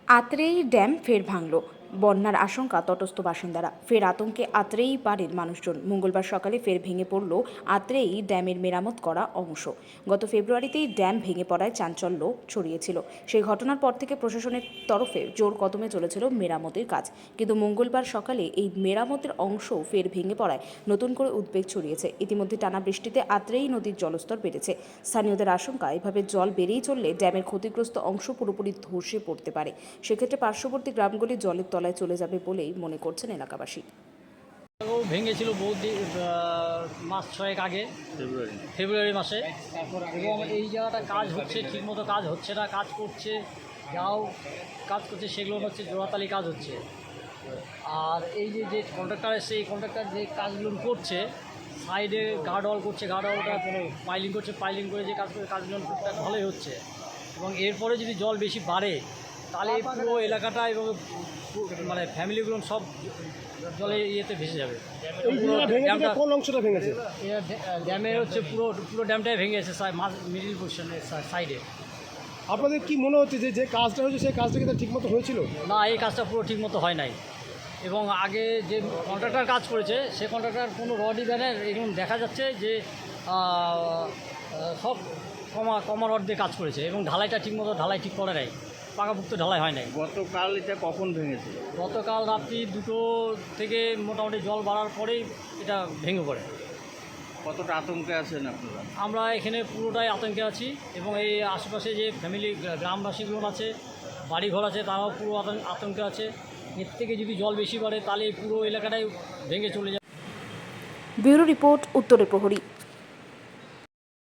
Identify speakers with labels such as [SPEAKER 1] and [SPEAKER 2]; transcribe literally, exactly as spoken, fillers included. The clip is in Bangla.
[SPEAKER 1] আত্রেই ড্যাম ফের ভাঙল। বন্যার আশঙ্কা তটস্থ বাসিন্দারা। ফের আতঙ্কে আত্রেই পাড়ের মানুষজন। মঙ্গলবার সকালে ফের ভেঙে পড়ল আত্রেই ড্যামের মেরামত করা অংশ। গত ফেব্রুয়ারিতেই ড্যাম ভেঙে পড়ায় চাঞ্চল্য ছড়িয়েছিল। সেই ঘটনার পর থেকে প্রশাসনের তরফে জোর কদমে চলেছিল মেরামতের কাজ, কিন্তু মঙ্গলবার সকালে এই মেরামতের অংশ ফের ভেঙে পড়ায় নতুন করে উদ্বেগ ছড়িয়েছে। ইতিমধ্যে টানা বৃষ্টিতে আত্রেই নদীর জলস্তর বেড়েছে। স্থানীয়দের আশঙ্কা, এভাবে জল বেড়েই চললে ড্যামের ক্ষতিগ্রস্ত অংশ পুরোপুরি ধসে পড়তে পারে। সেক্ষেত্রে পার্শ্ববর্তী গ্রামগুলি জলের তলায় চলে যাবে বলেই মনে করছেন এলাকাবাসী।
[SPEAKER 2] ভেঙেছিল বহু মাস ছয়েক আগে, ফেব্রুয়ারি ফেব্রুয়ারি মাসে, এবং এই জায়গাটা কাজ হচ্ছে, ঠিকমতো কাজ হচ্ছে না। কাজ করছে, যাও কাজ করছে সেগুলো হচ্ছে জোড়াতালি কাজ হচ্ছে। আর এই যে যে কন্ট্রাক্টর এসে এই কন্ট্রাক্টর যে কাজগুলো করছে, সাইডে গার্ড ওয়াল করছে, গার্ড ওয়ালটা পাইলিং করছে, পাইলিং করে যে কাজ করে কাজগুলো টুকটাক ভালোই হচ্ছে। এবং এরপরে যদি জল বেশি বাড়ে তাহলে পুরো এলাকাটা এবং মানে ফ্যামিলিগুলো সব জলে ইয়েতে ভেসে যাবে।
[SPEAKER 3] ড্যামটা কোন অংশটা ভেঙেছে?
[SPEAKER 2] ড্যামের হচ্ছে পুরো পুরো ড্যামটাই ভেঙে গেছে মিডিল পোর্শনের সাইডে।
[SPEAKER 3] আপনাদের কি মনে হচ্ছে যে যে কাজটা হয়েছে সেই কাজটা কি ঠিকমতো হয়েছিল?
[SPEAKER 2] না, এই কাজটা পুরো ঠিকমতো হয় নাই। এবং আগে যে কন্ট্রাক্টর কাজ করেছে সে কন্ট্রাক্টর কোনো রডই ব্যানের এরকম দেখা যাচ্ছে যে সব কমা কমা রড দিয়ে কাজ করেছে, এবং ঢালাইটা ঠিকমতো ঢালাই ঠিক করে নাই, পাকাপুক্ত ঢালাই হয় নাই।
[SPEAKER 4] গতকাল এটা কখন ভেঙেছে?
[SPEAKER 2] গতকাল রাত্রি দুটো থেকে মোটামুটি জল বাড়ার পরেই এটা ভেঙে পড়ে।
[SPEAKER 4] কতটা আতঙ্কে আছেন আপনারা?
[SPEAKER 2] আমরা এখানে পুরোটাই আতঙ্কে আছি, এবং এই আশেপাশে যে ফ্যামিলি গ্রামবাসীগুলো আছে, বাড়িঘর আছে, তারাও পুরো আতঙ্কে আছে। এর থেকে যদি জল বেশি বাড়ে তাহলে পুরো এলাকাটাই ভেঙে চলে যাবে।
[SPEAKER 1] ব্যুরো রিপোর্ট, উত্তরের প্রহরী।